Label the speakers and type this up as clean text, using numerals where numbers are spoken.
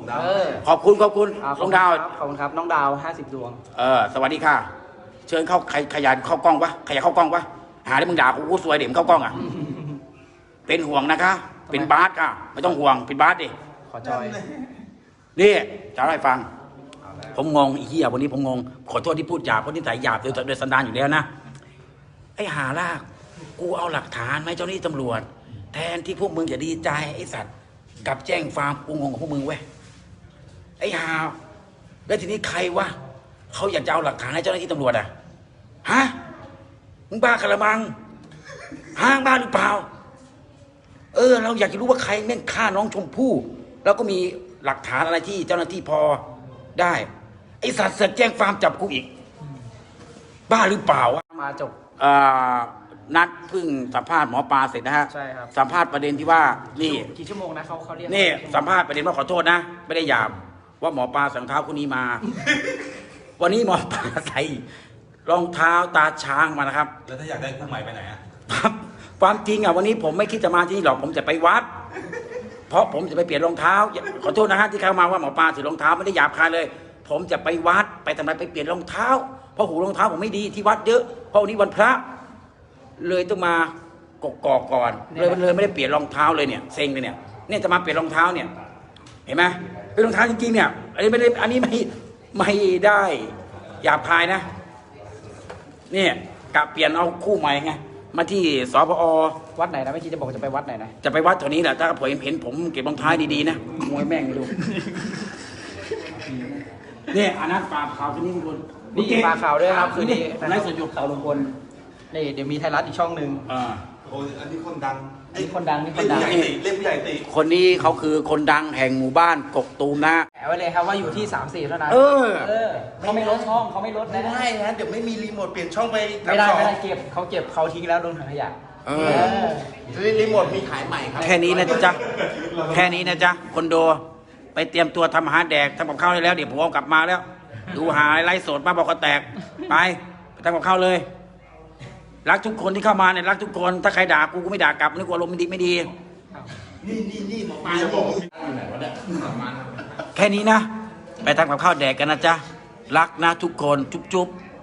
Speaker 1: ขอบคุณน้องดาว
Speaker 2: ขอบคุณครับน้องดาว50 ดวง
Speaker 1: สวัสดีค่ะเชิญเข้าขยันเข้ากล้องวะขยันเข้ากล้องวะหาได้มึงด่ากูสวยเดี๋ยวมึงเข้ากล้องอ่ะเป็นห่วงนะคะเป็นบาสค่ะไม่ต้องห่วงเป็นบาสดิ
Speaker 2: ขอจอย
Speaker 1: นี่จะเล่าให้ฟังผมงงอีเหี้ยวันนี้ผมงงขอโทษที่พูดหยาบเพราะนิสัยหยาบโดยสันดานอยู่แล้วนะไอ้หาลากกูเอาหลักฐานไหมเจ้าหน้าที่ตำรวจแทนที่พวกมึงจะดีใจไอ้สัตว์กับแจ้งความกูงงกับพวกมึงเว้ยไอ้หาแล้วทีนี้ใครวะเขาอยากจะเอาหลักฐานให้เจ้าหน้าที่ตำรวจอ่ะฮะมึงบ้ากันละมังห้างบ้าหรือเปล่าเราอยากจะรู้ว่าใครแม่งฆ่าน้องชมพู่แล้วก็มีหลักฐานอะไรที่เจ้าหน้าที่พอได้ไอ้สัตว์เสือกแจ้งความจับกูอีกบ้าหรือเปล่าวะ
Speaker 2: มาจบ
Speaker 1: นัดเพิ่งสัมภาษณ์หมอปลาเสร็จนะฮะ
Speaker 2: ใช่ครับ
Speaker 1: สัมภาษณ์ประเด็นที่ว่านี่
Speaker 2: กี่ชั่วโมงนะเขาเรียก
Speaker 1: นี่สัมภาษณ์ประเด็นว่าขอโทษนะไม่ได้หยาบว่าหมอปลาใส่รองเท้าคู่นี้มา วันนี้หมอปลาใส่รองเท้าตาช้างมานะครับ
Speaker 3: แล้วถ้าอยากได้คู่ใหม่ไปไหนอ่ะ
Speaker 1: ความจริงอ่ะวันนี้ผมไม่คิดจะมาที่นี่หรอกผมจะไปวัดเพราะผมจะไปเปลี่ยนรองเท้าขอโทษนะฮะที่เข้ามาว่าหมอปลาถือรองเท้าไม่ได้หยาบคายเลยผมจะไปวัดไปทำไมไปเปลี่ยนรองเท้าเพราะหูรองเท้าผมไม่ดีที่วัดเยอะเพราะวันนี้วันพระเลยต้องมากกอกก่อนเลยไม่ได้เปลี่ยนรองเท้าเลยเนี่ยเซ็งเลยเนี่ยจะมาเปลี่ยนรองเท้าเนี่ยเห็นไหมเป็นรองเท้าจริงๆเนี่ยอันนี้ไม่ได้หยาบคายนะเนี่ยกะเปลี่ยนเอาคู่ใหม่ไงมาที่สพอ
Speaker 2: วัดไหนนะไม่คิดจะบอกจะไปวัดไหนนะ
Speaker 1: จะไปวัดแถวนี้แหละถ้าผมเห็นผมเก็บรองเท้าดีๆนะมวยแม่งไม่รู้เนี่ยอันนั้นปลาขาวที่นี่ลุงพล
Speaker 2: นี่ปลาขาวด้วยครับคือนี่
Speaker 1: ไลฟ์สดอยู่
Speaker 2: ข่าวลุงพลนี่เดี๋ยวมีไทยรัฐอีกช่องหนึ่ง
Speaker 3: โอ้อันนี้คนดัง
Speaker 2: นี่คนดัง
Speaker 3: เล่นผู้ใหญ่ตี
Speaker 1: คนนี้เขาคือคนดังแห่งหมู่บ้านกกตูมนะ
Speaker 2: แอบไว้เลยครับว่าอยู่ที่3-4เท่านั้นเขาไม่ลดช่องเขาไม่ลดนะ
Speaker 3: ไม่นะเดี๋ยวไม่มีรีโมทเปลี่ยนช่องไป
Speaker 2: ไม่ได้เก็บเขาทิ้งแล้วลงถังขยะ
Speaker 3: รีโมทมีขายใหม่ครับ
Speaker 1: แค่นี้นะจ๊ะคนโดไปเตรียมตัวทำอาหารแดกทำกับข้าวได้แล้วเดี๋ยวผมเอากลับมาแล้วดูหาไลฟ์สดมาบอกเขาแตกไปทำกับข้าวเลยรักทุกคนที่เข้ามาเนี่ยรักทุกคนถ้าใครด่ากูไม่ด่ากลับนึกว่าลมณ์ไม่ดี
Speaker 3: นี่หมอปลาจะบอก
Speaker 1: แค่นี้นะไปทำกับข้าวแดกกันนะจ๊ะรักนะทุกคนจุ๊บ